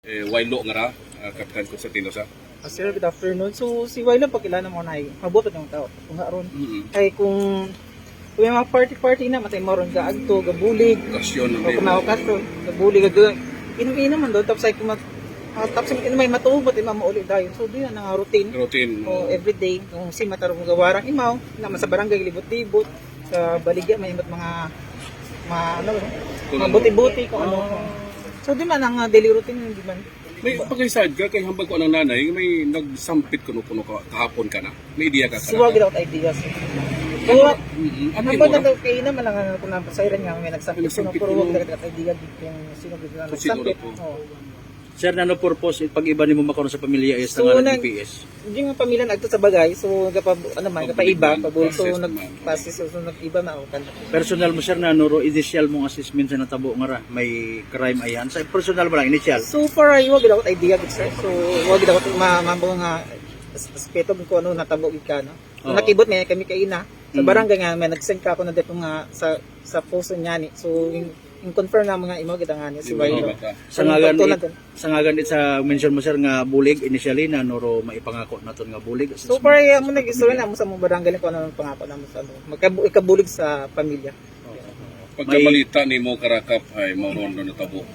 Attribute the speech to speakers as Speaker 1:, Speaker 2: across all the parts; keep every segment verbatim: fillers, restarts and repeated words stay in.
Speaker 1: Eh, Wailo nga ra, uh, Kapitan Constantino sa.
Speaker 2: Uh, sir, good afternoon. So, si Wailo, pagkilala mo na ay mabutot yung tao. Kung haron,
Speaker 1: Mm-hmm.
Speaker 2: ay kung kung may mga party-party na, matay mo ron ka agto, gabulig,
Speaker 1: Okasyon
Speaker 2: o kumakasto, gabulig, gagawin. Inom-inom man doon, tapos ay kumat, uh, tapos ay may matubot, ay mamauli dayon. So, doon na nga routine.
Speaker 1: Routine.
Speaker 2: O everyday, kung si matarong gawarang imaw, naman sa barangay, libot-libot, sa baligya, may iba't mga, mga, ano, mga buti-buti, kung ano. So, di man ang uh, daily routine, hindi man.
Speaker 1: May pagkaisad ka, kay hambag ko ng nanay, may nagsampit kuno-kuno ka, kahapon ka na. May idea ka
Speaker 2: Siwag
Speaker 1: ka.
Speaker 2: without ideas. Kaya,
Speaker 1: Mm-hmm. Ano
Speaker 2: ang
Speaker 1: yung
Speaker 2: banda
Speaker 1: mo?
Speaker 2: daw kayo na malang kung napasayran nga, may nagsampit ko,
Speaker 1: Nagsampit
Speaker 2: pero
Speaker 1: ko.
Speaker 2: huwag dagat idea dito yung sino ko na
Speaker 1: Kung sino
Speaker 2: nagsampit.
Speaker 1: na po.
Speaker 2: Oo.
Speaker 3: Sir, nano purpose pag iba nimo makaroon sa pamilya is
Speaker 2: So,
Speaker 3: so,
Speaker 2: nag-
Speaker 3: ng P S?
Speaker 2: Hindi nga pamilya nagto sa bagay, so gapa ano man, gapa iba, pabulso
Speaker 1: Process
Speaker 2: nag
Speaker 1: man.
Speaker 2: pasis so nag-iba na o kan.
Speaker 3: Personal mo sir na nuro initial mong assessment sa natabo nga ra may crime ayan. Sa personal mo lang initial.
Speaker 2: So far ay wag daw idea gid sir. So wag daw ma mambo nga aspeto ko ano natabo gid ka no. Kung
Speaker 3: Oo.
Speaker 2: nakibot may kami kay ina sa
Speaker 3: Mm.
Speaker 2: barangay nga may nag-send ka ako na dito nga sa sa post niya ni. So in, in confirm na mga imo gid nga ni si
Speaker 1: Di ba,
Speaker 2: Wailo.
Speaker 1: bata?
Speaker 3: Sa ngagan
Speaker 2: Tulad
Speaker 3: it, sa ngagan it sa mention mo sir nga bulig initially na nuro maipangako naton nga bulig.
Speaker 2: So far ay mo nag-istorya na mo sa mga barangay ko ano ang pangako na mo sa ano. Magkabu ikabulig sa pamilya.
Speaker 1: Pagkabalita ni mo karakap ay mauron na natabo.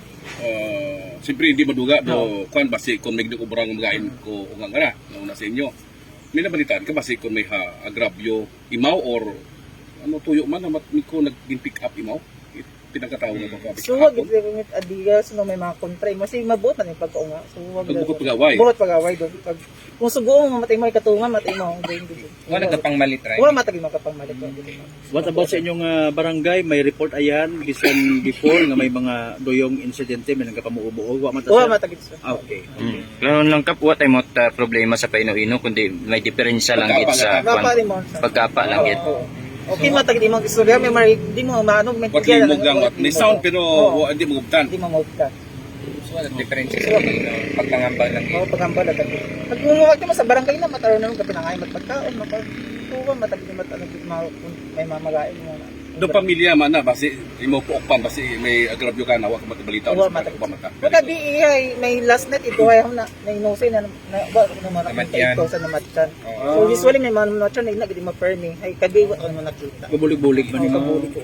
Speaker 1: Uh, Siyempre hindi maduga do kan basi kung nagdi ko barang magain ko ungang ara nauna sa inyo. May nabalitaan ka basi kung may ha, agravyo imaw or ano tuyo man na mi ko nag-pick up imaw. Pinagkatawo nga ba ka?
Speaker 2: So wag gid ko ngit adiga so may mga kontra mo si mabot na yung pagkaunga. So wag
Speaker 1: Pagbukod pagaway.
Speaker 2: Bukod pagaway do pag kung sugo mo matay mo katunga matay mo din din.
Speaker 4: Wala ka pang malit, right?
Speaker 2: Wala matagi mo kapang malit.
Speaker 3: What about sa inyong ah, barangay may report ayan bisan before nga may mga doyong insidente may nagapamuubo wa man ta
Speaker 2: Wala
Speaker 3: sir?
Speaker 2: matagi sir.
Speaker 3: Ah, okay.
Speaker 4: Mm. Karon lang kap what ay mo ta problema sa Paino-ino kundi may diferensya lang gid sa
Speaker 2: Gapa
Speaker 4: kwan-
Speaker 2: rin mo. sir.
Speaker 4: pagkapa lang gid.
Speaker 2: Oo. Okay matagi di mo istorya may mari di mo maano may
Speaker 1: What
Speaker 2: tigyan,
Speaker 1: mo
Speaker 2: ano,
Speaker 1: lang
Speaker 2: wala-
Speaker 1: what may sound pero
Speaker 2: Oo.
Speaker 1: wa- hindi mo gubtan.
Speaker 2: Di mo mauta.
Speaker 4: So wala diferensya sa Paino, pagpangambal lang gid.
Speaker 2: Oo pagambal at pag umuwag mo sa barangay na mataro na ka pinangay magpagkaon mapag tuwa matagi di mat ano gid ma- may mamagain mo na.
Speaker 1: Do pamilya man na basi imo puokpan basi may agravyo ka na wa ka matabalita
Speaker 2: Wala
Speaker 1: sa
Speaker 2: matagi.
Speaker 1: pamata.
Speaker 2: Pagka di ay may last night ito ay na na inose na na ba ko naman
Speaker 4: Namatyan.
Speaker 2: ito sa namatyan.
Speaker 4: Oo.
Speaker 2: So usually may mga namatyan na gid ma-permi ay kadi wa ko naman nakita.
Speaker 3: Gubulig-bulig man
Speaker 2: Ano
Speaker 3: nimo.
Speaker 2: kabuli ko.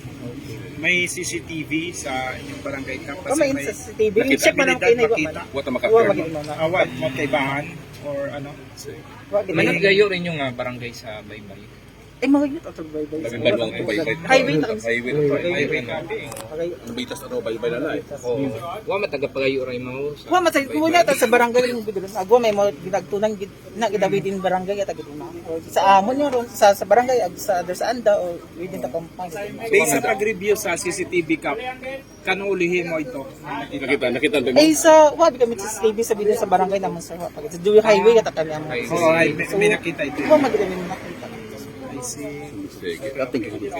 Speaker 5: May C C T V sa inyong barangay camp
Speaker 2: Oh, may sa C C T V.
Speaker 1: Nakita.
Speaker 2: Check man ang
Speaker 5: Abilidad
Speaker 2: kinay wa
Speaker 5: makita.
Speaker 2: man.
Speaker 1: Wa ta
Speaker 2: Wa
Speaker 1: maka-confirm.
Speaker 2: magid mo na.
Speaker 5: awat mo kaibahan or ano.
Speaker 2: Wa gid.
Speaker 4: Managayo rin yung ah, barangay sa Baybay.
Speaker 2: Ay mawag nito sa baybay.
Speaker 1: Labing balwang ko baybay.
Speaker 2: Highway na
Speaker 1: Highway na to.
Speaker 4: Highway na.
Speaker 2: Okay.
Speaker 1: Nabitas ano baybay na na eh.
Speaker 4: Oh, wa matagapagayo ray mo sa.
Speaker 2: Wa matay ko na ta sa barangay ng gudulon. Agwa may mo ginagtunan gid na gidawi din barangay at giduna. Sa amon yo ron sa sa barangay ag sa other sa anda o within the compound.
Speaker 5: Based sa pag-review sa C C T V camp, kanuulihin mo ito.
Speaker 1: Nakita nakita ba mo?
Speaker 2: Eh sa wa kami sa C C T V sa video sa barangay namon sa pag sa Dewey Highway kata kami amo.
Speaker 5: Oo, ay, may, may nakita ito.
Speaker 2: Wa magid mo nakita.
Speaker 5: I see.
Speaker 1: Sige.
Speaker 3: Thank you.